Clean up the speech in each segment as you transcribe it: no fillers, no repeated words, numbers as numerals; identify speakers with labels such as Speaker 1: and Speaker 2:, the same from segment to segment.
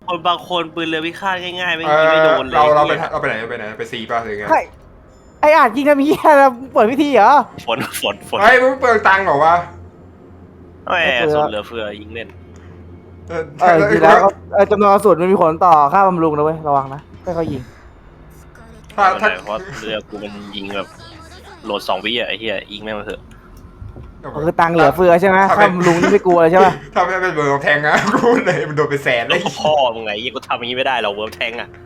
Speaker 1: คนบางคนปืนเรือพิฆาตง่ายๆไม่ยิงไม่โดนเลย
Speaker 2: เราไปไหนไปซีป่ะหรือไง
Speaker 3: ไออาจยิงทำเหี้ยเปิดพิธีเหรอ
Speaker 1: ฝน
Speaker 2: เฮ้ยมึงเปลืองตังค์เหรอวะ
Speaker 1: แหมส่วนเหลือเฟือยิงเล่น
Speaker 3: จริงแล้วจำนวนกระสุนมันมีผลต่อค่าบำรุงนะเว้ยระวังนะไม่เขายิง
Speaker 1: เพราะเรือกูมันยิงแบบโหลด2 วิอ่ะไอ้เหี้ยยิงแม่งมาเถอะ
Speaker 3: คือตังเหลือเฟือใช่ไหมค่าบำรุงนี่ไม่กลัวเลยใช่ป่ะ
Speaker 2: ถ้าไม่เป็นเบอร์แทงนะกูเลยมันโดนไปแสนเลย
Speaker 1: พ่อมึงไงยี่กูทำอย่างนี้ไม่ได้หรอกเวิร์มแทงอ่ะ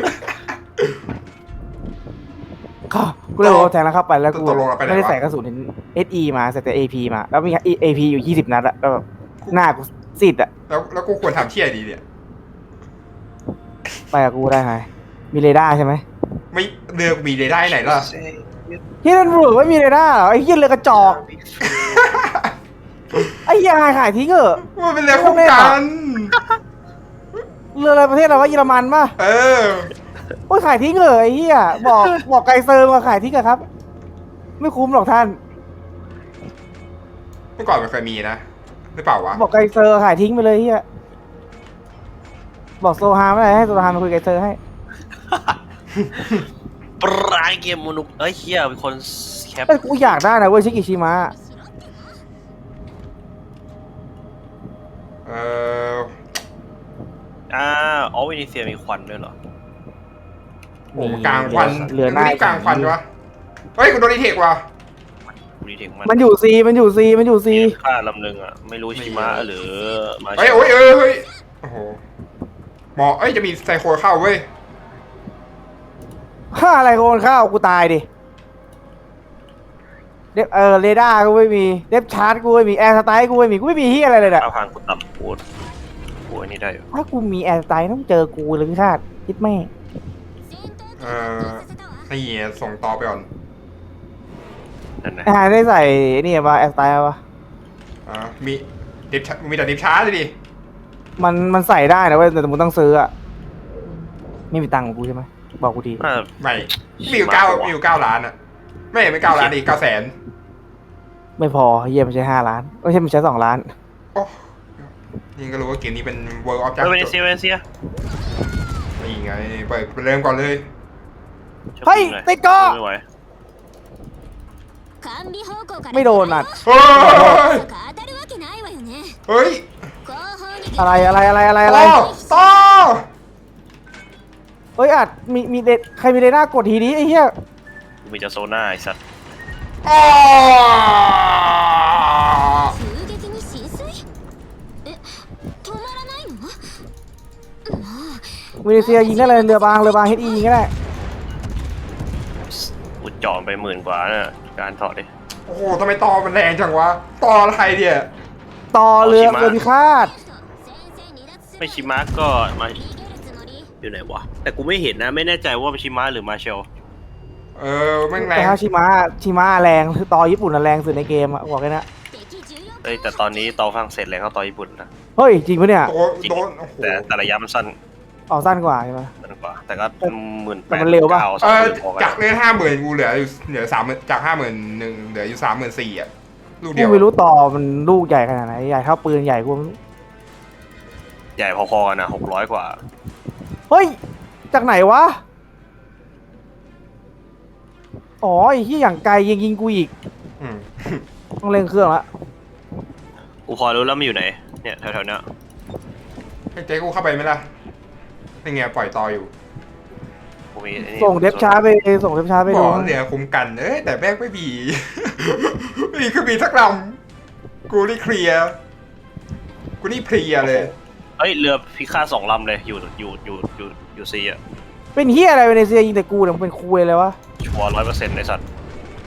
Speaker 3: กูเลยบอกแทงแล้วเข้าไปแล้วกูไม่ได้ใส่กระสุนSE มาใส่แต่ AP มาแล้วมี AP อยู่20 นัดอะแล้วแบบหน้ากูซีดอะ
Speaker 2: แล้วกูควรทำเชี่ยดีเนี่ย
Speaker 3: ไปกับกูได้ไงมีเรดาร์ใช่ไหม
Speaker 2: ไม่เรือมีเรดาร์ไหนล่ะ
Speaker 3: ที่นั่นบุกไม่มีเรดาร์เหรอไอ้เหี้ยเรือกระจอกไอ้เหี้ยขายทิ้งเหรอ
Speaker 2: มันเป็นเรือคู่กัน
Speaker 3: เรืออะไรประเทศอะไรวะเยอรมันป่ะโอ้ยขายทิ้งเหรอไอ้เหี้ยบอกไกเซอร์มาขายทิ้งอะครับไม่คุ้มหรอกท่าน
Speaker 2: เมื่อก่อนมันเคยมีนะหรือเปล่าวะ
Speaker 3: บอกไกเซอร์ขายทิ้งไปเลยเหี้ยบอกโซฮาไม่ได้ให้โซฮามาคุยไกเซอร์ให้
Speaker 1: ปลายเกมมนุษย์เฮียเป็นคนแคป
Speaker 3: กูอยากได้นะเว้ยชิกิชิมะ
Speaker 1: อ๋อเวนิเซียมีควันด้วยเหรอ
Speaker 2: โอ้กลางควันเรือหน้ากลางควันวะเฮ้ยกูโดนดีเทควะ
Speaker 3: มันอยู่ซี
Speaker 1: ค่าลำหนึ่งอ่ะไม่รู้ชิมะหรือมา
Speaker 2: เฮ้ยโอ้โหหมอจะมีไซโคเข้าเว้ย
Speaker 3: อะไรโคนเข้ากูตายดิเรดาร์กูไม่มีเดฟชาร์จกูไม่มีแอร์สไตล์กูไม่มีเฮียอะไรเลยเนี่ย
Speaker 1: พังกูต่ำกูอันนี้ได้อยู่
Speaker 3: ถ้ากูมีแอร์สไตล์ต้องเจอกูเลยพี่ชาติคิดแม่
Speaker 2: นี่ส่งต่อไปก่อน
Speaker 3: ได้ใส่นี่มาแอร์สไตล์ป่ะ
Speaker 2: มีแต่ดิฟชาร์จเลยดิ
Speaker 3: มันใส่ได้นะเว้ยแต่มึงต้องซื้ออะไม่มีตังค์ของกูใช่ไหมบอกกูที
Speaker 2: ไม่มีอยู่9 ล้านอะไม่9 ล้านดิ900,000
Speaker 3: ไม่พอเยี่ยมไม่ใช่5 ล้านไม่ใช่มันใช้2 ล้าน
Speaker 2: นี่ก็รู้ว่าเกมนี้เป็น World of
Speaker 1: เวเนเซีย
Speaker 2: นี่ไงเปิดเริ่มก่อนเลย
Speaker 3: เฮ้ยติดก็ไม่โดนอ่ะ
Speaker 2: เฮ้ย
Speaker 3: อะไร
Speaker 2: ต่อ
Speaker 3: เฮ้ยอาจมีเดใครมีเดน่ากดทีนี้ไอ้เหี้ย
Speaker 1: มีจะโซน่าไอ้สัตว์
Speaker 3: เวเนเซียยิงได้เลยเรือบางเฮดอียิงก็ได้
Speaker 1: กูจองไป10,000 กว่าน่ะการถอดดิ
Speaker 2: โอ้โหทำไมต่อมันแรงจังวะต่ออะไรเนี่ย
Speaker 3: ต่อเรือพิฆาต
Speaker 1: ไม่ชิมะก็มาอยู่ไหนวะแต่กูไม่เห็นนะไม่แน่ใจว่าชิมะหรือมาเชล
Speaker 2: แม่งแรง
Speaker 3: แต่ถ้าชิมะแรงคือต่อญี่ปุ่นแรงสุดในเกมอะบอกเลยนะ
Speaker 1: แต่ตอนนี้ต่อฝรั่งเศสแรงเข้าต่อญี่ปุ่นนะ
Speaker 3: เฮ้ยจริงปะเนี่ย
Speaker 1: แต่ระยะมันสั้น
Speaker 3: สั้นกว่าใช่ไหม
Speaker 1: สั้นกว่าแต่ก็18,000
Speaker 3: มันเร็วป่ะ
Speaker 2: จากเลย50,000กูเหลือ30,000จาก50,000เหลืออยู่34,000อ่ะลูกเดียว
Speaker 3: ไม่รู้ต่อมันลูกใหญ่ขนาดไหนใหญ่เท่าปืนใหญ่กู
Speaker 1: ใหญ่พอๆกันนะ600 กว่า
Speaker 3: เฮ้ยจากไหนวะอ๋อไอ้ที่อย่างไกลยิงกูอีกต้องเร่งเครื่องละ
Speaker 1: กูพอรู้แล้วมันอยู่ไหนเนี่ยแถวๆเนี้ย
Speaker 2: ให้เจ๊กูเข้าไปไหมล่ะนี่ไงปล่อยต่ออยู่
Speaker 3: ส่งเดฟช้าไป
Speaker 2: บอกเรือคุ้มกันแต่แม่งไม่มีคือมีสักลำกูนี่เคลียร์เลย
Speaker 1: เรือพิฆาต2 ลำเลยอยู่ซีอ่ะ
Speaker 3: เป็นเฮียอะไรเวเนเซียยิงแต่กูเนี่ยมันเป็นคุยเลยวะ
Speaker 1: ชัวร์100%ในสัตว์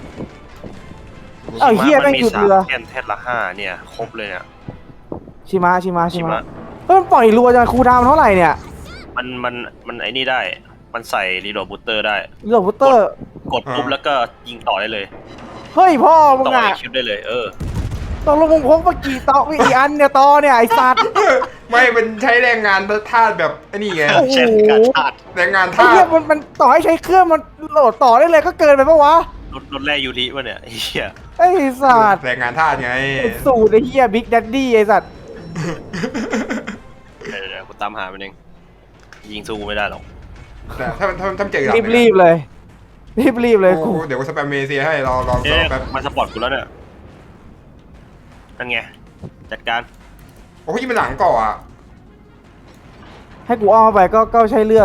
Speaker 3: เฮียแม่งหยุดเรือ
Speaker 1: แค่ละ5เนี่ยครบเลยเนี่ย
Speaker 3: ชิมะมันปล่อยรัวจังคูดาวเท่าไหร่เนี่ย
Speaker 1: มันไอ้นี่ได้มันใส่รีโหลดบูตเตอร์ได้
Speaker 3: รีโหลดบูตเตอร์
Speaker 1: กดปุ๊บแล้วก็ยิงต่อได้เลย
Speaker 3: เฮ้ยพ่อมึง
Speaker 1: อ่ะต่อคิวได้เลย
Speaker 3: ตกลงมึงพกมากี่ต่อกี่อันเนี่ยต่อเนี่ยไอ้สัตว์
Speaker 2: ไม่มันใช้แรงงานธาตุแบบไอ้นี่ไง
Speaker 1: ใช้
Speaker 2: แรงงานธาตุ
Speaker 3: มันต่อให้ใช้เครื่องมันโหลดต่อได้เลยก็เกินไปปะวะ
Speaker 1: รถแร่ยูริวะเนี่ย
Speaker 3: ไอ้สัตว์
Speaker 2: แรงงานธาตุไง
Speaker 3: สูตรไอ้เหี้ยบิ๊กแดดดี้ไอ้สัตว์
Speaker 1: เดี๋ยวกูตามหามันเองยิงสู้ไม่ได้หรอก
Speaker 2: แต่ถ้าเจอหลับ
Speaker 3: รีบเลยรีบเลยกู
Speaker 2: เดี๋ยวกูสแปมเมเซียให้รอแป๊บ
Speaker 1: มาสปอร์ตกูแล้วเนี่ยนั่นไงจัดการ
Speaker 2: โอ้ยมันหลังก่ออ่ะ
Speaker 3: ให้กูอ้อมเข้าไปก็ใช่เรื่อง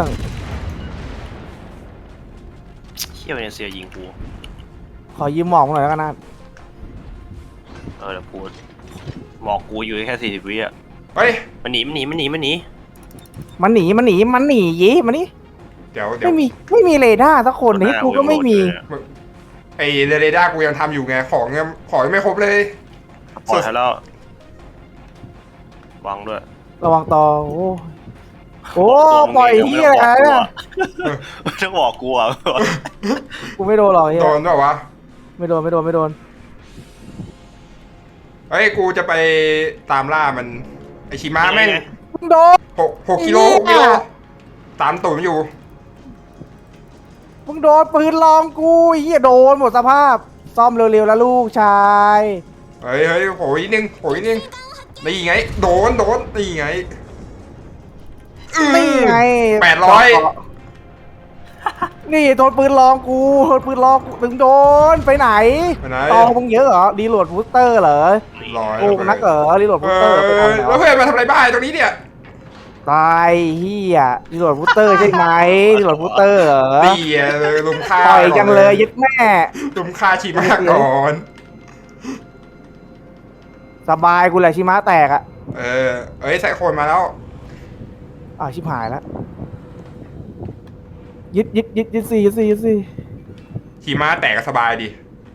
Speaker 1: เชี่ยเวเนเซียยิงกู
Speaker 3: ขอยืมหมอกหน่อยแล้วกันนะ
Speaker 1: เดี๋ยวกูหมอกกูอยู่แค่40 วิอ่ะ
Speaker 2: เฮ้ย
Speaker 1: มันหนี
Speaker 3: มันหนียีมานี่
Speaker 2: เดี๋ยว
Speaker 3: ไม่มีเรดาร์สักคนนี่กูก็ไม่มี
Speaker 2: ไอเรดาร์กูยังทำอยู่ไงของยังไม่ครบเลย
Speaker 1: ปล่อยให้แล้ววางด้วย
Speaker 3: ระวังต่อโอ้ปล่อยเฮียอะไรเนี่ย
Speaker 1: ต้องบอกกูอ่ะ
Speaker 3: กูไม่โดนหรอกเฮีย
Speaker 2: โดนเปล่าวะ
Speaker 3: ไม่โดน
Speaker 2: เฮ้ยกูจะไปตามล่ามันไอชิมะแม่ง
Speaker 3: โดน
Speaker 2: 6 กิโล ตามตุ่มอยู่
Speaker 3: มึงโดนปืนลองกูเฮียโดนหมดสภาพซ่อมเร็วๆแล้วลูกชาย
Speaker 2: เฮ้ยโหยนึงนี่ไงโดนนี่ไง
Speaker 3: นี่ไง
Speaker 2: 800
Speaker 3: นี่โดนปืนลองกูถึงโดนไปไหนตองมึงเยอะเหรอรีโหลดบูสเตอร์เหรอ
Speaker 2: 100
Speaker 3: โกงนักเหรอรีโหลดบูสเตอร์
Speaker 2: แล้วเพื่อนมาทำอะไรบ้านตรงนี้เนี่ย
Speaker 3: ตายเฮียรีโหลดบูสเตอร์ใช่ไหมรีโหลดบูสเตอร์เหรอ
Speaker 2: ตีเลยลุมฆ่า
Speaker 3: ต่อยจังเลยยึดแม่
Speaker 2: ลุมฆ่าชิมะก่อน
Speaker 3: สบายกูแหละชิมะแตกอ่ะ
Speaker 2: เอ้ยใส่โคนมาแล้ว
Speaker 3: ชิบหายแล้วยึดสี่
Speaker 2: ชิมะแตกก็สบายดี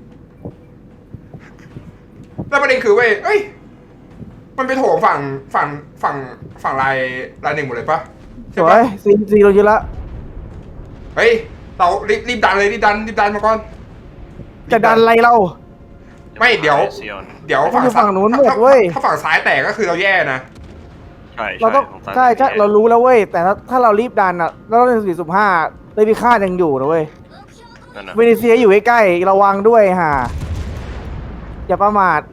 Speaker 2: แล้วประเด็นคือเว้ยเอ้ยมันไปโถมฝั่งลายหนึ่งหมดเลยปะ
Speaker 3: สวยซีเรายึดละ
Speaker 2: เฮ้ยเรารีบดันเลยรีบดันมาก่อน
Speaker 3: จะดันอะไรเรา
Speaker 2: ไม่เดี๋ยว
Speaker 3: ฝั่งนู้นหมดเว้ย
Speaker 2: ถ้าฝั่งซ้ายแตกก็คือเราแย่นะ
Speaker 3: เราต้องใช่เรารู้แล้วเว้ยแต่ถ้าเรารีบดันอ่ะแล้วเราใน4.5เลยพิฆาตยังอยู่นะเว้ยเวเนเซียอยู่ใกล้ๆระวังด้วยฮะอย่าประมาท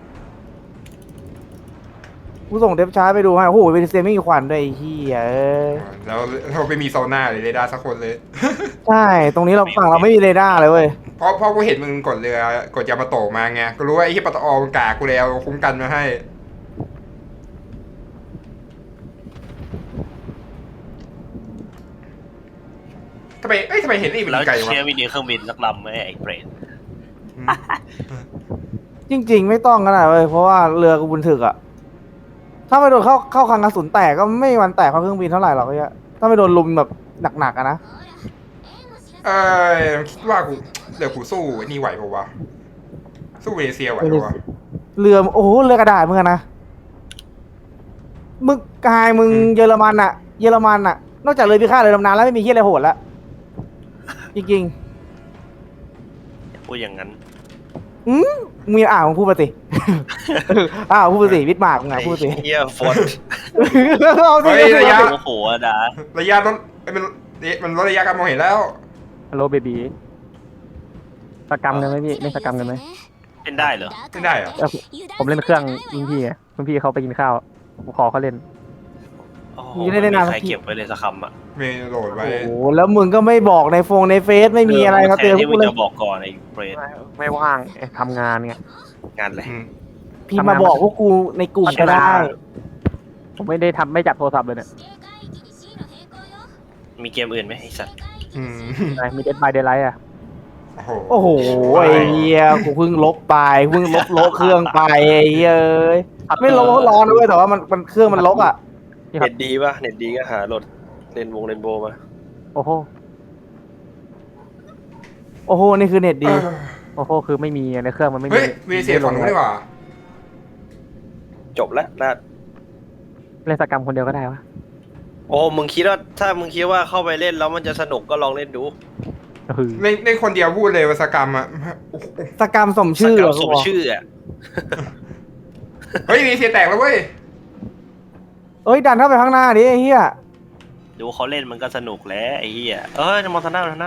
Speaker 3: กูส่งเดฟชาร์จไปดูให้โอ้โหเวเนเซียไม่มีควันด้วยไอ้เหี้ย
Speaker 2: แล้วเราไปมีโซน่าเลยเรดาร์สักคนเลย
Speaker 3: ใช่ตรงนี้เราฝั่งเราไม่มีเรดาร์เลยเว้ย
Speaker 2: เพราะกูเห็นมึงกดเรือกดยามาโตะมาไงก็รู้ว่าไอ้ที่ปตอมันกากูแล้วคุ้มกันมาให้ทำไมเห็นนี่มัน
Speaker 1: แล้ว
Speaker 2: ไกลวะ
Speaker 1: เชียร์วิดีเครื่องบินสักลำไหมไอ้เบรน
Speaker 3: จริงๆไม่ต้องก็ได้เว้ยเพราะว่าเรือกูบุญถึกอะถ้าไม่โดนเข้าคลังกระสุนแตกก็ไม่มีวันแตกเพราะเครื่องบินเท่าไหร่หรอกไอ้เหี้ยถ้าไม่โดนลุมแบบหนักๆอะนะ
Speaker 2: คิดว่าเดี๋ยวกูสู้ไอ้นี่ไหวปะวะสู้เวเนเซียไหวปะวะ
Speaker 3: เรือโอ้โหเรือกระดาษมึงอะนะมึงกายมึงเยอรมันอะนอกจากเรือพิฆาตเรือดำน้ำแล้วไม่มีเฮียอะไรโหดละจริง
Speaker 1: อย่าพูดอย่างนั้น
Speaker 3: ๆมึงมึงพูดมาสิ พูดมาสิวิทย์มากมึงพูดสิ
Speaker 1: เฮียฟอน
Speaker 3: เอาสิ
Speaker 1: โอ้โหดา
Speaker 2: ระยะลดมันลดระยะการมองเห็นแล้ว
Speaker 4: ฮัลโหลเบบีสกรรมกันไหมพี่เล่นสกรรมกันไหม
Speaker 1: เล่นได้เหรอ
Speaker 2: ไม่ได้เหรอ
Speaker 4: ผมเล่นเครื่องรุ่นพี่ไงรุ่นพี่เขาไปกินข้าวผมขอเขาเล่น
Speaker 1: โอ้โหไม่มีใครเก็บไว้เลยสักคำอ่ะ
Speaker 2: ไม่โหลดไว้
Speaker 3: โอ้โหแล้วมึงก็ไม่บอกในในเฟซไม่มีอะไรมาเตือน
Speaker 1: ที่
Speaker 3: กู
Speaker 1: มึง
Speaker 3: เลย
Speaker 1: จะบอกก่อนไอ้เบรน
Speaker 4: ไม่ว่างทำงานไง
Speaker 1: งานอะไร
Speaker 3: พี่มาบอกพวกกูในกลุ่มก็ได้
Speaker 4: ผมไม่ได้ไม่จับโทรศัพท์เลยเนี่ย
Speaker 1: มีเกมอื่นไหมไอ้สัตว์
Speaker 4: มีเดดบายเดย์ไลท์อะ
Speaker 3: โอ้โหไอ้เหี้ยกูเพิ่งลบไปเพิ่งลบเครื่องไปไอ้เหี้ยเอ้ยไม่ลบร้อนด้วยแต่ว่ามันเครื่องมันลบอ่ะ
Speaker 1: เน็ตดีป่ะเน็ตดีก็หาโหลดเรนโบว์มา
Speaker 4: โอ้โห
Speaker 3: โอ้โหนี่คือเน็ตดี
Speaker 4: โอ้โหคือไม่มีในเครื่องมันไม่มี
Speaker 2: เฮ้ยเวเนเซียฝั่งนู้นดีกว่า
Speaker 1: จบแล้วนะ
Speaker 4: เล่นสกรรมคนเดียวก็ได้วะ
Speaker 1: โอ้มึงคิดว่าถ้ามึงคิดว่าเข้าไปเล่นแล้วมันจะสนุกก็ลองเล่นดู
Speaker 2: ในคนเดียวพูดเลยว่าสกรรมอ่ะ
Speaker 3: สกรรมสมชื่อ
Speaker 1: สกรรมสมชื่ออ่ะ
Speaker 2: เฮ้ยเวเนเซียแตกแล้วเว้ย
Speaker 3: เอ้ยดันเข้าไปข้างหน้าดิไอ้เหี้ย
Speaker 1: ดูเขาเล่นมันก็สนุกแล้วไอ้เหี้ยมอนทนา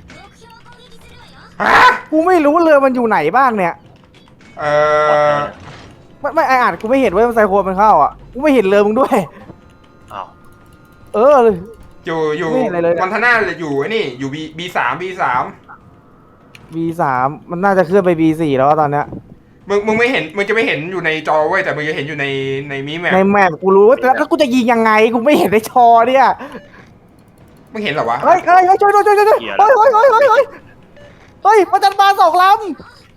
Speaker 3: กูไม่รู้เรือมันอยู่ไหนบ้างเนี่ย
Speaker 2: เออ
Speaker 3: ไม่ไออ่านกูไม่เห็นว่ามันไซโคมันเข้าอ่ะกูไม่เห็นเรือมึงด้วย
Speaker 1: อ้าว
Speaker 3: เออ
Speaker 2: อยู่
Speaker 3: ไม่เห็นอะไรเลย
Speaker 2: มอนทาน่าอยู่ไอ้นี่อยู่B3
Speaker 3: B3 มันน่าจะเคลื่อนไป B4 แล้วตอนเนี้ย
Speaker 2: มึงไม่เห็นมึงจะไม่เห็นอยู่ในจอเว้ยแต่มึงจะเห็นอยู่ในมิแมป
Speaker 3: ในแมปกูรู้แล้วกูจะยิงยังไงกูไม่เห็นในชอเนี่ย
Speaker 2: มึงเห็นเหรอวะ
Speaker 3: เฮ้ยช่วยเฮ้ยประจันบาน2 ลำ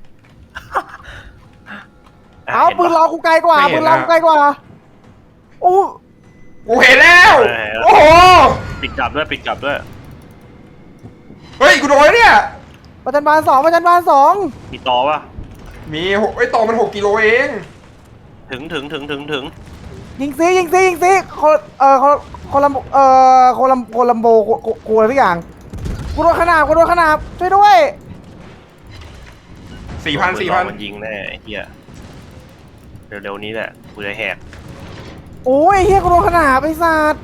Speaker 3: เอาปืนเรากูไกลกว่าปืนเรากูไกลกว่าโอ้
Speaker 2: กูเห็นแล้วโอ้โห
Speaker 1: ปิดกลับด้วยปิดกลับด้วย
Speaker 2: เฮ้ยกูโดนเนี่ย
Speaker 3: ประจันบาน2ประจันบาน2
Speaker 1: มีต่อปะ
Speaker 2: มีไอ้ต่อมัน6 กิโลเอง
Speaker 1: ถึง
Speaker 3: ยิงซิคนลัมโบกูอะไรสักอย่างกูโดนขนาบช่วยด้วย
Speaker 2: 4,000
Speaker 1: มันยิงแน่ไอ้เหี้ยเร็วๆนี้แหละกูจะแหก
Speaker 3: โอ้ยเฮียกูโดนขนาบไอ้สัตว์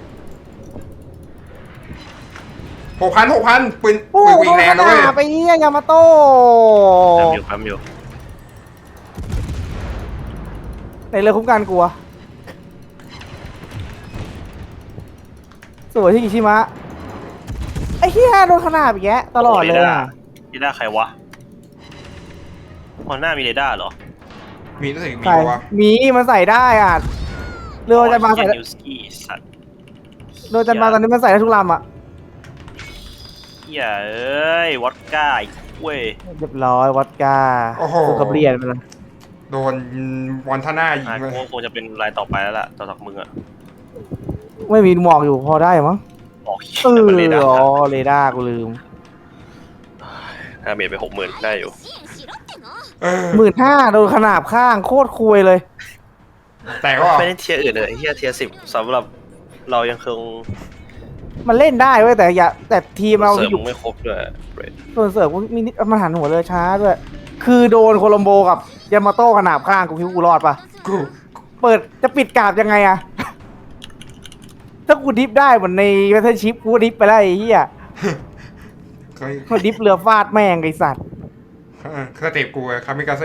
Speaker 2: 6,000ปืน
Speaker 3: โอ้
Speaker 2: ปืน
Speaker 3: โห
Speaker 2: วิ่งแรงนะเว้ย
Speaker 3: ไปเฮียยามาโต้
Speaker 1: ทำอยู่
Speaker 3: ในเรือคุ้มกันกลัวสวยที่กิชิมะไอ้เฮียโดนขนาบอีกแยะตลอดเลยอ่ะ
Speaker 1: เรดาร์ใครวะหน้ามีเรดาร์เหรอ
Speaker 2: มีรู้สึกมี
Speaker 3: ใส่
Speaker 2: ปะวะ
Speaker 3: มีมันใส่ได้อ่ะเรือจันบานใส่
Speaker 1: นิวสกี้สัตว์
Speaker 3: เรือจันบานตอนนี้มันใส่ได้ทุกลำอ่ะ
Speaker 1: เหี้ยเอ้ยวอดก้าอีกเว้ย
Speaker 3: เรียบร้อยวัดกากูกับเรียนไปแล้ว
Speaker 2: โดนมอนทาน่ายิงเลย
Speaker 1: คงจะเป็นรายต่อไปแล้วล่ะต่อจากมึงอะ
Speaker 3: ไม่มีหมอกอยู่พอได้มั้ง
Speaker 1: บอก
Speaker 3: เออ
Speaker 1: มันเรดาร์
Speaker 3: อ๋อเรดาร์กูลืม
Speaker 1: ถ้าเมียไป60,000ได้อยู่
Speaker 3: 15,000โดนขนาบข้างโคตรคุยเลย
Speaker 2: แต่ก็
Speaker 1: ไม่ได้เทียร์อื่นเลยเฮียเทียร์10สำหรับเรายังคง
Speaker 3: มันเล่นได้เว้ยแต่ทีมเรา
Speaker 1: เสริม
Speaker 3: อยู่
Speaker 1: ไม่ครบด้วย
Speaker 3: ส่วนเสริมมีนิดมันหันหัวเรือช้าด้วย คือโดนโคลัมโบกับยามาโต้ขนาบข้างกูคิดว่ากูรอดปะ
Speaker 2: กู
Speaker 3: เปิดจะปิดกราบยังไงอะ ถ้ากูดิฟได้เหมือนในแบทเทิลชิพกูก็ดิฟไปแล้วไอ้เหี้ย
Speaker 2: เคย
Speaker 3: มันดิฟเรือฟาดแม่งไอ้สัตว์
Speaker 2: สเต็ปกูอะคามิกาเซ่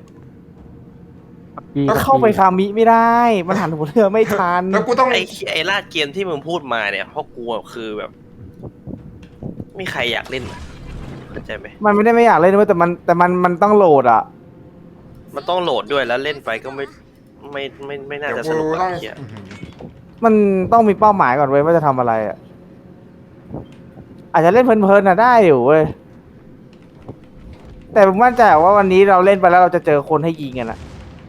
Speaker 3: ก็เข้าไปคามิไม่ได้ มันหันหัวเรือไม่ทัน
Speaker 2: แล้วกูต้อง
Speaker 1: ไอ้ลาดเกมที่มึงพูดมาเนี่ยเพราะกูอะคือแบบไม่มีใครอยากเล่นอะเข้าใจไหม
Speaker 3: มันไม่ได้ไม่อยากเล่นด้วยแต่มันต้องโหลดอ่ะ
Speaker 1: มันต้องโหลดด้วยแล้วเล่นไปก็ไม่น่า
Speaker 2: เดี๋ยว
Speaker 1: จะส
Speaker 2: กู
Speaker 1: นุก
Speaker 2: ต้อง
Speaker 1: อะเหี้ย
Speaker 3: มันต้องมีเป้าหมายก่อนเว้ยว่าจะทำอะไรอ่ะ อาจจะเล่นเพลินๆน่ะได้อยู่เว้ย แต่ผมมั่นใจว่าวันนี้เราเล่นไปแล้วเราจะเจอคนให้ยิงกันอ่ะ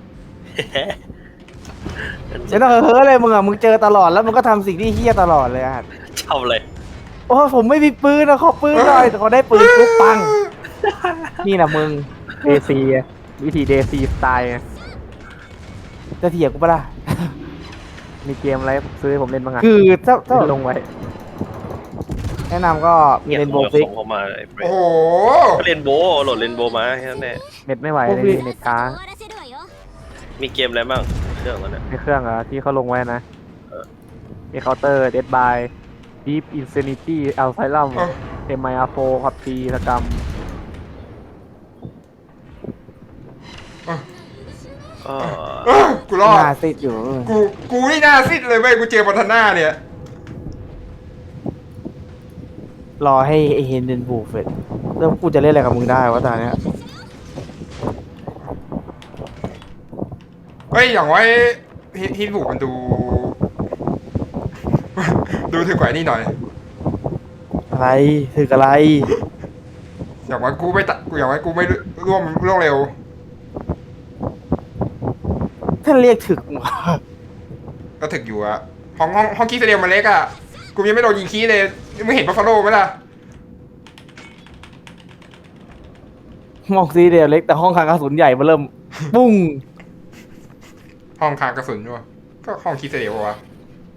Speaker 3: ไม่ต้องเฮ้อเลยมึงอ่ะมึงเจอตลอดแล้วมึงก็ทำสิ่งที่เฮี้ยตลอดเลยอ่ะ
Speaker 1: ชอบเลย
Speaker 3: โอ้ผมไม่มีปืนนะขอปืนหน่อยแต่เขาได้ปืนปุ๊บปัง นี่นะมึง
Speaker 4: เดซีวิธีเดซีสไตล์
Speaker 3: จะเถียงกูปะล่ะ
Speaker 4: มีเกมอะไรซื้อให้ผมเล่นบ้างอะ
Speaker 3: คือถ้า
Speaker 4: ลงไว้
Speaker 3: แนะนำก็มีเรนโบว์ฟิก
Speaker 1: ส่งเข้ามาไอ้เบร
Speaker 2: โอ้โห
Speaker 1: เรนโบโหลดเรนโบมาแค่นั้นแหละ
Speaker 4: เน็ตไม่ไหวเลยเน็ตค้าง
Speaker 1: มีเกมอะไรบ้างเครื่องนั้นเนี่ย
Speaker 4: ในเครื่องอะที่เขาลงไว้นะมีเคาน์เตอร์เดดบายดีฟอินฟินิตี้อัลไซลัมเอ็มไออาร์โฟพับจีสกรรม
Speaker 1: ก็
Speaker 2: กูรอด
Speaker 3: หน้าซิดอยู่
Speaker 2: กูนี่หน้าซิดเลยเว้ยกูเจอมอนทาน่าเนี่ย
Speaker 3: รอให้ไอเฮนเดนบูเฟตแล้วกูจะเล่นอะไรกับมึงได้วะตอนเนี้ย
Speaker 2: เฮ้ยอย่างไว้ฮิตบุกมันดู ดูถึงกว่านี่หน่อย
Speaker 3: อะไรถึกอะไร
Speaker 2: อย่างไว้กูไม่ตะกูอย่างไว้กูไม่ร่วมเร็ว
Speaker 3: ท่านเรียกถึกมึง
Speaker 2: ก็ถึกอยู่อะห้องคีสเดียมมันเล็กอะกูยังไม่โดนยิงคีเลยมึงเห็นบัฟฟาโลไหมล่ะ
Speaker 3: มองซีเดียวเล็กแต่ห้องคลังกระสุนใหญ่มาเริ่ม ปุ้ง
Speaker 2: ห้องคางกระสุนด้วยก็ห้องคีสเดียววะ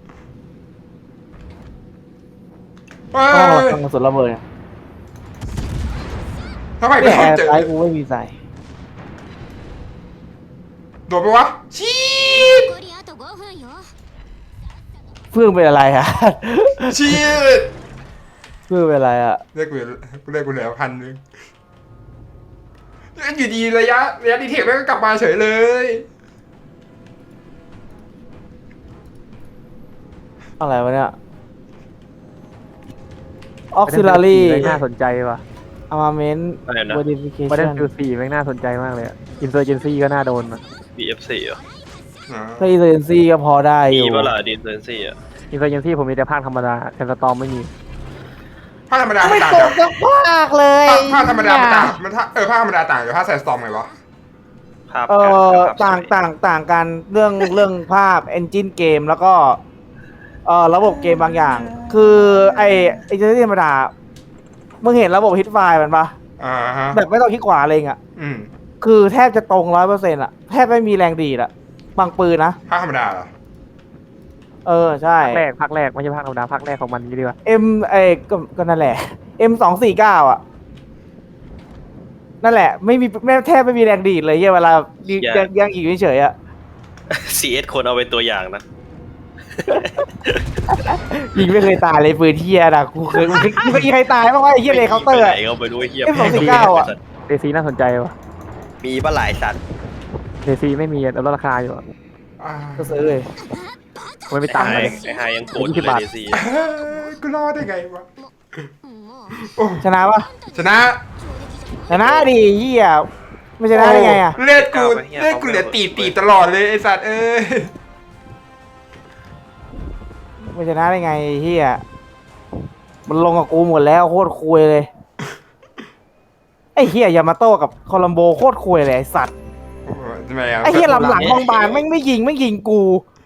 Speaker 2: เฮ้
Speaker 3: ห้อง
Speaker 2: ย
Speaker 3: คลังกระสุนระเบิดเนี่ย
Speaker 2: ทำไม
Speaker 3: แอ
Speaker 2: ไม่
Speaker 3: ร์
Speaker 2: เจอ
Speaker 3: ไลท์กูไม่มีใส่
Speaker 2: โดดไปวะชีด
Speaker 3: เพื่อนเป็นอะไรอะ
Speaker 2: ชีด
Speaker 3: เพื่อนเป็นอะไรอะ
Speaker 2: เรียกกูเหลือ1,000อยู่ดีระยะดีเทคแม่งก็กลับมาเฉยเลย
Speaker 3: อะไรวะเนี่ยออกซิลารี
Speaker 4: ไม่น่าสนใจว่ะ
Speaker 3: อาร์มาเมนต์
Speaker 1: อะไรนะ
Speaker 3: โมดิฟิเค
Speaker 4: ประเด็น
Speaker 3: ชั่น
Speaker 4: ฟิว4แม่งน่าสนใจมากเลยอินเซอร์เจนซี่ก็น่าโดนอะ
Speaker 1: BF4 เหรอ
Speaker 3: ถ้าอีเซนซี่ก็พอได้อ
Speaker 1: มี
Speaker 3: ยู่
Speaker 1: เปะล่าดีเซนซี่อ่ะ
Speaker 4: อินเซอร์เจนซี่ผมมีแต่ภาคธรรมดาแทนสตอมไม่มี
Speaker 2: ภาคธรรมดา
Speaker 3: ไม่
Speaker 2: ต่าง
Speaker 3: ต
Speaker 2: จาก
Speaker 3: สักภาคเลย
Speaker 2: ภาคธรรมดามันต่างมันภาคธรรมดาต่างจากภาคแซนสตอมไงวะ
Speaker 1: ภาพ
Speaker 3: เอ
Speaker 1: การ
Speaker 3: อ
Speaker 1: ภาพสวย
Speaker 3: ต่างกันเรื่องภาพเอนจินเกมแล้วก็ระบบเกมบางอย่าง คือไอเจนซี่ธรรมดามึงเห็นระบบฮิตไฟล์มันปะ
Speaker 2: อ่าฮะ
Speaker 3: แบบไม่ต้องคลิกขวาเลยอ่ะ
Speaker 2: อืม
Speaker 3: คือแทบจะตรง100%อ่ะแทบไม่มีแรงดีดอ่ะบางปืนนะ
Speaker 2: ภาคธรรมดาเหรอ
Speaker 3: ใช่
Speaker 4: ภาคแรกไม่ใช่ภาคธรรมดาภาคแรกของมันนี่ดีกว่า
Speaker 3: M ก็นั่นแหละ M249อ่ะนั่นแหละไม่แทบไม่มีแรงดีดเลยเวลายังอีกเฉยๆอ่ะ
Speaker 1: CS คนเอาเป็นตัวอย่างนะ
Speaker 3: ยิงไม่เคยตายเลยปืนเทียนะกูเคยมีใครตายบ้างวะไอ้เหี้ยเลยเคาน์เตอร์
Speaker 1: ไห
Speaker 3: อะ
Speaker 1: นก็ไปดูไอ้เหี้ย
Speaker 3: M249 อะ
Speaker 4: เดซีน่าสนใจว่ะ
Speaker 1: มีปะหลายสัตว์
Speaker 4: เดซีไม่มีลดราคาอยู่อะ
Speaker 2: อ่า
Speaker 3: ก็ซื้อเลย
Speaker 4: ไม่ตังค์
Speaker 1: ไอ้
Speaker 4: เลย
Speaker 1: ไฮยังโกรธอยู่เลย DC
Speaker 2: กูรอดได้ไงวะโอ้
Speaker 3: ชนะปะ
Speaker 2: ชนะ
Speaker 3: ชนะดิเหี้ยไม่ชนะได้ไงอ่ะ
Speaker 2: เลือดกูเหลือตีตลอดเลยไอ้สัตว์เอ้ย
Speaker 3: ไม่ชนะได้ไงเหี้ยมันลงกับกูหมดแล้วโคตรคุยเลยไอ้เหี้ยยามาโต้กับโคลัมโบโคตรคุยเลยไอ้สัตว์
Speaker 2: ทำไมอ่ะ
Speaker 3: ไอ้เหี้ยลำหลังบางๆแม่งไม่ยิงกู